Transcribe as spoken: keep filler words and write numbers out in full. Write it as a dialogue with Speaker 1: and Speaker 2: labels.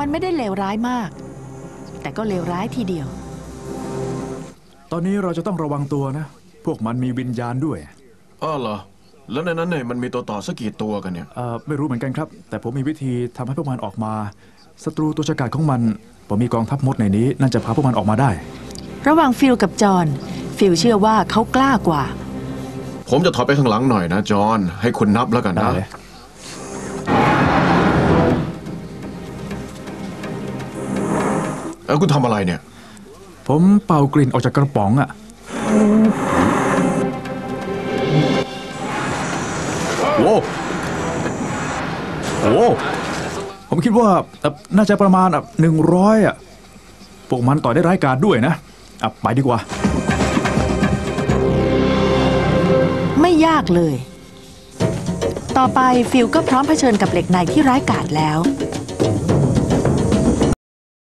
Speaker 1: มันไม่ได้เลวร้ายมากแต่ก็เลวร้ายทีเดียว
Speaker 2: ตอนนี้เราจะต้องระวังตัวนะพวกมันมีวิญญาณด้วย
Speaker 3: อ้อเหรอแล้วในนั้นเนี่ยมันมีตัวต่อสักกี่ตัวกันเนี่ย
Speaker 2: เอ่อไม่รู้เหมือนกันครับแต่ผมมีวิธีทำให้พวกมันออกมาศัตรูตัวฉกาจของมันผมมีกองทัพมดในนี้น่าจะพาพวกมันออกมาได้
Speaker 1: ระหว่างฟิลกับจอห์นฟิลเชื่อว่าเขากล้ากว่า
Speaker 3: ผมจะถอยไปข้างหลังหน่อยนะจอห์นให้คุณนับแล้วกันนะเออคุณทำอะไรเนี่ย
Speaker 2: ผมเป่ากลิ่นออกจากกระป๋องอะโว้โอ้ผมคิดว่าน่าจะประมาณหนึ่งร้อยอ่ะพวกมันต่อยได้ร้ายกาจด้วยนะอ่ะไปดีกว่า
Speaker 1: ไม่ยากเลยต่อไปฟิลก็พร้อมเผชิญกับเหล็กในที่ร้ายกาจแล้ว